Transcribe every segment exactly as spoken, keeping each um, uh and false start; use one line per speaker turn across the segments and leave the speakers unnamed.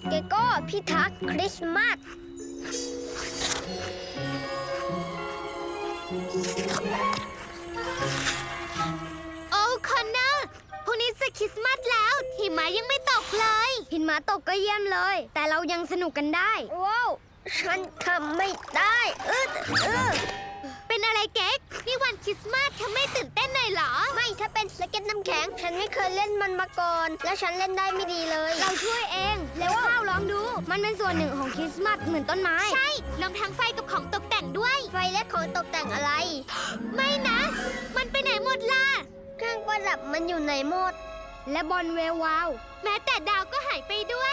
เกโก้พิทักษ์คริสต์มาส
โอ้คอนเนอร์พรุ่งนี้จะคริสต์มาสแล้วหิมะยังไม่ตกเลย
หิมะตกก็เยี่ยมเลย แต่เรายังสนุกกันได้ว้าวฉันทำไม่ได้เออเออ
เป็นอะไรเก๊กนี่วันคริสต์มาสเธอไม่ตื่นเต้นหน่อยเหรอ
ไม่ถ้าเป็นสเก็ตน้ำแข็งฉันไม่เคยเล่นมันมาก่อนและฉันเล่นได้ไม่ดีเลยเราช่วยเองแล้วข้าวลองดูมันเป็นส่วนหนึ่งของคริสต์มาสเหมือนต้นไม้
ใช่รวมทั้งไฟกับของตกแต่งด้วย
ไฟและของตกแต่งอะไร
ไม่นะมันไปไหนหมดล่ะ
เครื่องประดับมันอยู่ไหนหมดและบอลเววาว
แม้แต่ดาวก็หายไปด้วย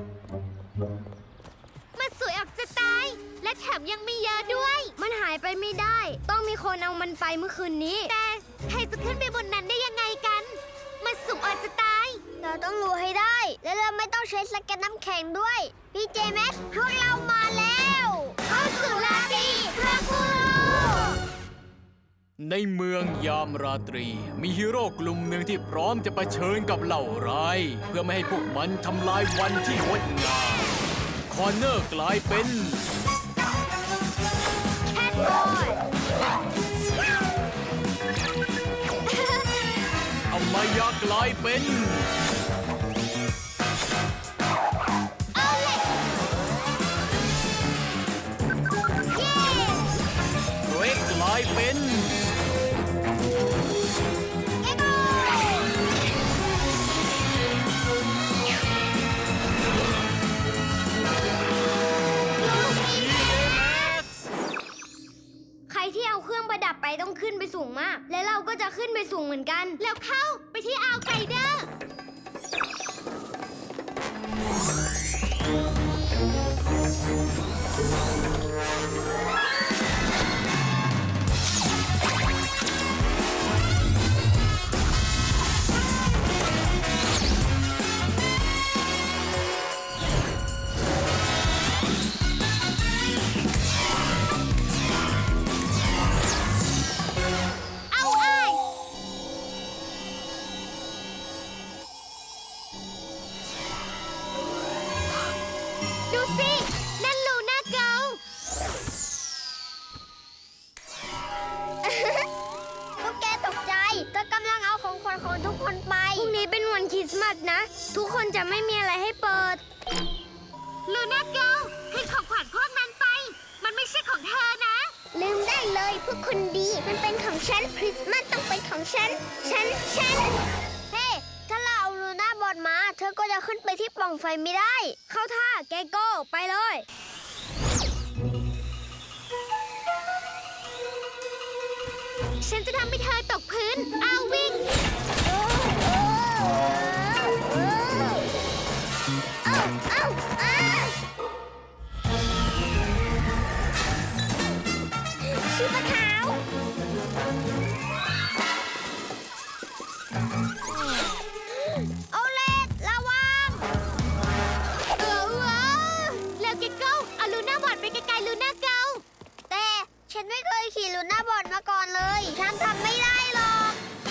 มันสวยออกจะตายและแถมยังมีเยอะด้วย
มันหายไปไม่ได้ต้องมีคนเอามันไปเมื่อคืนนี้
แต่ใครจะขึ้นไปบนนั้นได้ยังไงกันมันสูงออกจะตาย
เราต้องรู้ให้ได้และเราไม่ต้องใช้สเก็ตน้ำแข็งด้วยพี่เจแม็กพวกเรามาแล้ว
เข้าสู่ราตรีเพื่อผู้
ในเมืองยามราตรีมีฮีโร่กลุ่มหนึ่งที่พร้อมจะเผชิญกับเหล่าร้ายเพื่อไม่ให้พวกมันทำลายวันที่งดงามคอนเนอร์กลายเป็น
แคทบอย
อมายากลายเป็น
เอาเล็กเย้
เรกกลายเป็น
เอโก้
ใครที่เอาเครื่องประดับไปต้องขึ้นไปสูงมากและเราก็จะขึ้นไปสูงเหมือนกัน
แล้วเข้าไปที่อ่าวไกเดอร์ดูสินั่นลูน่าเกิล
พวกแกตกใจเธอกำลังเอาของขวัญของทุกคนไปพรุ่งนี้เป็นวันคริสต์มาสนะทุกคนจะไม่มีอะไรให้เปิด
ลูน่าเกิลให้ของขวัญพวกนั้นไปมันไม่ใช่ของเธอนะ
ลืมได้เลยพวกคนดีมันเป็นของฉันคริสต์มาสต้องเป็นของฉันฉันฉันเฮ้ถ้าเราเอาลูน่าบอลมาเธอก็จะขึ้นไปที่ปล่องไฟไม่ได้เข้าท่าแกโก้ไปเลย
ฉันจะทำให้เธอตกพื้นเอาวิ่ง
ชีพขาวโอเลตระวัง
เออว้าแล้วเกโก้เอาลูน่าบอดไปไกลๆลูน่าเกิล
แต่ฉันไม่เคยขี่ลูน่าบอดมาก่อนเลยฉันทำไม่ได้หรอก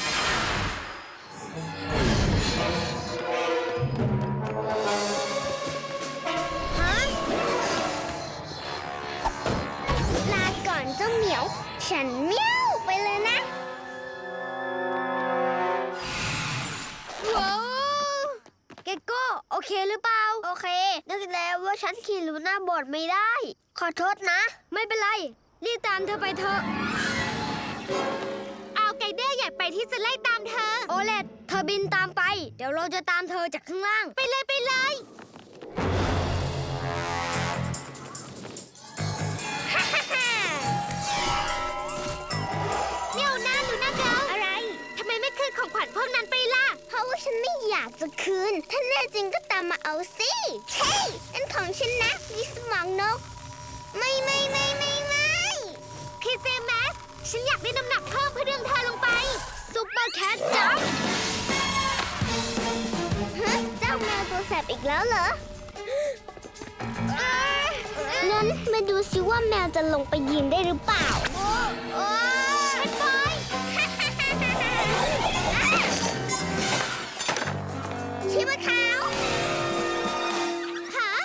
ฮะลาก่อนเจ้าเหมียวฉันเมี้ยวไปเลยนะ
ว้าว
เกโก้โอเคหรือเปล่าโอเคนึกแล้วว่าฉันขี่ลูน่าบอดไม่ได้ขอโทษนะไม่เป็นไรรีบตามเธอไปเถอะ
เอาไกเดอร์อยากไปที่จะไล่ตามเธอ
โอเลตเธอบินตามไปเดี๋ยวเราจะตามเธอจากข้างล่าง
ไปเลยไปเลยเดี๋ยวนะลูน่าเกิล
อะไร
ทำไมไม่คืนของขวัญพวกนั้นไปล่ะ
เพราะว่าฉันไม่อยากจะคืนถ้าแน่จริงก็ตามมาเอาสิเฮ้ยนั่นของฉันนะมีสมองนกไม่ไม่ไม่ไม่ไม่
พีเจแมสฉันอยากได้น้ำหนักเพิ่มเพื่อดึงเธอลงไป
ซุปเปอร์แคทจัมป์ฮะเจ้าแมวตัวแสบอีกแล้วเหรองั้นมาดูซิว่าแมวจะลงไปยืนได้หรือเปล่า
ฉันไป
ชีพขาว
ฮะ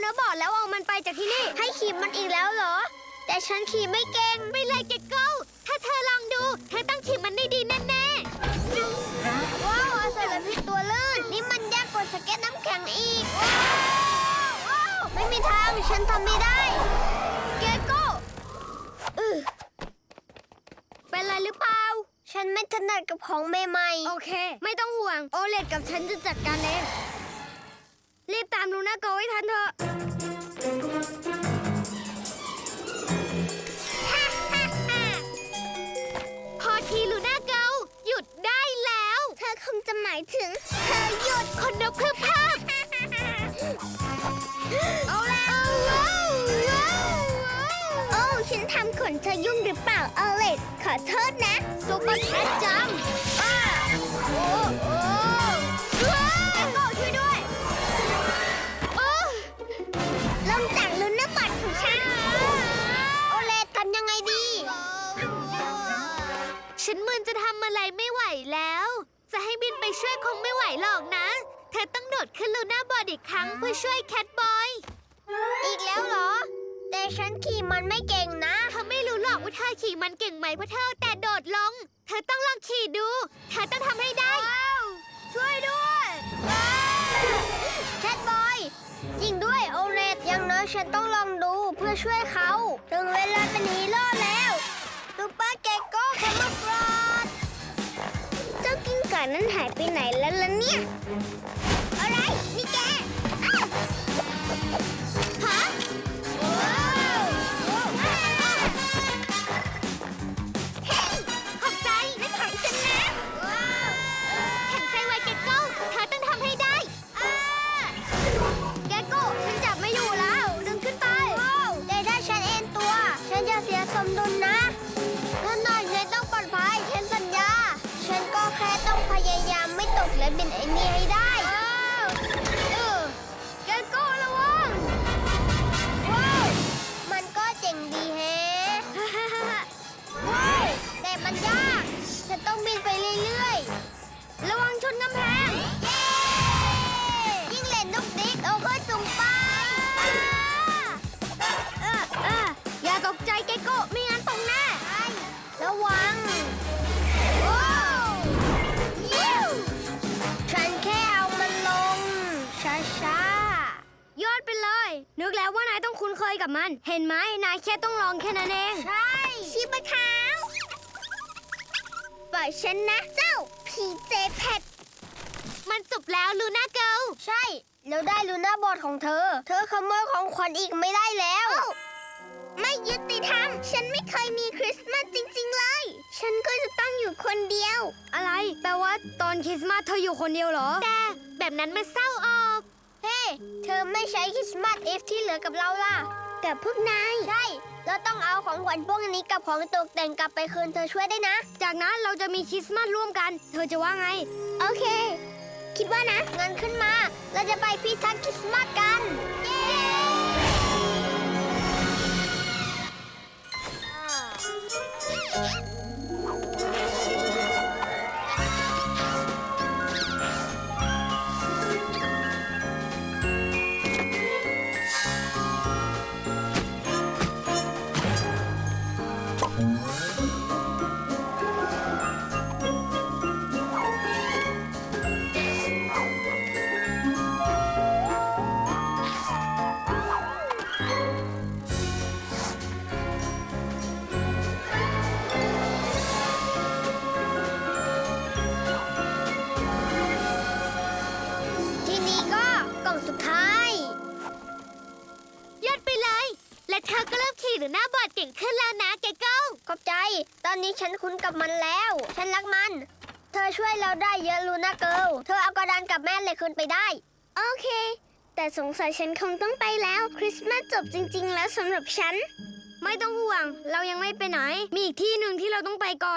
นะบอร์ดแล้วเอามันไปจากที่นี่ ให้ขี่มันอีกแล้วเหรอ แต่ฉันขี่ไม่เก่ง
ไปเลยเกโก้ถ้าเธอลองดู เธอต้องขี่มันได้ดีแน่
ว้าวอาศัยพิษตัวลื่น นี่มันยากกว่าสเก็ตน้ำแข็งอีก ว้าวว้าวไม่มีทาง ฉันทำไม่ได้ เกโก้อือเป็นไรหรือเปล่า ฉันไม่ถนัดกับของใหม่ๆ โอเค ไม่ต้องห่วง โอเลดกับฉันจะจัดการเอง รีบตามลูน่าโกให้ทันเถอะ
ๆ พอทีลูน่าเกลหยุดได้แล้ว
เธอคงจะหมายถึง เธอหยุด
คนนกพรึบพรับ
เอาแล้วโอ้ ฉันทำขนเธอยุ่งหรือเปล่าเอเลดขอโทษนะซุปเปอร์แคทจัมป์ป้าโอ้โอ้ว้าวโก้ช่วยด้วย
โอ้
ลงจากลุ้นน้ำบัตรของฉัน โอเลดทำยังไงดี
ฉันมึนจะทำอะไรไม่ไหวแล้ว จะให้บินไปช่วยคงไม่ไหวหรอกนะ เธอต้องโดดขึ้นลูน่าบอร์ดอีกครั้งเพื่อช่วยแคทบอย
อีกแล้วเหรอ แต่ฉันขี่มันไม่เก่งนะ
เธอไม่รู้หรอกว่าเธอขี่มันเก่งไหมเพราะเธอแต่โดดลง เธอต้องลองขี่ดู เธอต้องทำให้ได้
ว้าว ช่วยด้วยแคทบอยจริงด้วยโอเลดอย่างน้อยฉันต้องลองดูเพื่อช่วยเขา ถึงเวลาเป็นฮีโร่แล้วซูเปอร์เกโก้แคมเมอร์ฟรอดเจ้ากิ้งก่านั้นหายไปไหนแล้วล่ะเนี่ย อะไร นี่แกอ้าวฮะว้าวว้าวเฮ้ย
ขอบใจ
นั่นของฉันนะว้าว
แข็งใจไว้เกโก้เธอต้องทำให้ได้
อ่าแกโก้ฉันจับไม่อยู่แล้ว ดึงขึ้นไปแต่ถ้าฉันเอ็นตัว ฉันจะเสียสมดุลนะนั่นหน่อยฉันต้องปลอดภัยฉันสัญญา ฉันก็แค่ต้องพยายามไม่ตกและบินไอ้นี่ให้ได้เออแกโก้ระวังว้าวมันก็เจ๋งดีแฮะ ว้าวแต่มันยาก ฉันต้องบินไปเรื่อยๆ ระวังชนกำแพง เย้ยิ่งเล่นนุกดิกเอาขึ้นสูงไปเออเอออย่าตกใจเกโก้ไม่งั้นตกแน่ระวังว้าวยิ้วฉันแค่เอามันลง ช้าๆ ยอดไปเลย นึกแล้วว่านายต้องคุ้นเคยกับมัน เห็นไหมนายแค่ต้องลองแค่นั้นเอง ใช่ชิบะขาวปล่อยฉันนะ เจ้าพีเจแพท
มันจบแล้วลูน่าเกิล
ใช่ แล้วได้ลูน่าบอร์ดของเธอ เธอขโมยของขวัญอีกไม่ได้แล้ว ไม่ยุติธรรม ฉันไม่เคยมีคริสต์มาสจริงๆเลย ฉันก็จะต้องอยู่คนเดียว อะไร แปลว่าตอนคริสต์มาสเธออยู่คนเดียวเหรอ
แต่แบบนั้นมันเศร้าออก
เฮ้ เธอไม่ใช้คริสต์มาสเอฟที่เหลือกับเราล่ะ กับพวกนาย ใช่ เราต้องเอาของขวัญพวกนี้กับของตกแต่งกลับไปคืนเธอช่วยได้นะ จากนั้นเราจะมีคริสต์มาสร่วมกัน เธอจะว่าไง โอเค คิดว่านะงั้นขึ้นมา เราจะไปพิทักษ์คริสต์มาสกัน เย้ ทีนี้ก็กล่องสุดท้าย
ยอดไปเลย และเธอก็เริ่มขี่ลูน่าบอร์ดเก่งขึ้นแล้วนะเกโก้
ขอบใจ ตอนนี้ฉันคุ้นกับมันแล้ว ฉันรักมัน เธอช่วยเราได้เยอะลูน่าเกิลเธอเอากระดานกับแม่เหล็กคืนไปได้ โอเค แต่สงสัยฉันคงต้องไปแล้ว คริสต์มาสจบจริง ๆ แล้วสำหรับฉัน ไม่ต้องห่วง เรายังไม่ไปไหน มีอีกที่หนึ่งที่เราต้องไปก่อน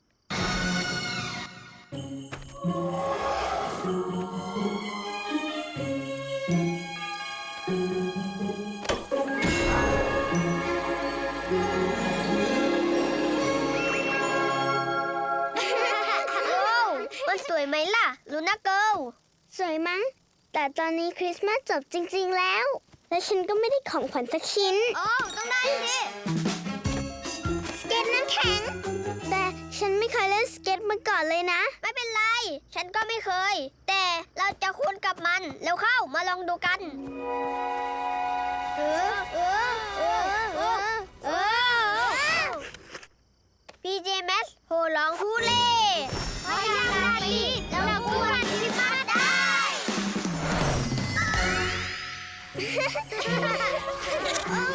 มันสวยไหมล่ะ ลูน่าเกิลสวยมั้ง แต่ตอนนี้คริสต์มาสจบจริง ๆ แล้วและฉันก็ไม่ได้ของขวัญสักชิ้น โอ้ ต้องได้สิ สเก็ตน้ำแข็ง แต่ฉันไม่เคยเล่นสเก็ตมาก่อนเลยนะ ไม่เป็นไร ฉันก็ไม่เคย แต่เราจะคุ้นกับมัน เร็วเข้ามาลองดูกันเออเออเออเออเออพีเจแมสโหร้องฮูเล่เพราะอย่างไรเราคู่วันคริสต์มาสได้ โอ้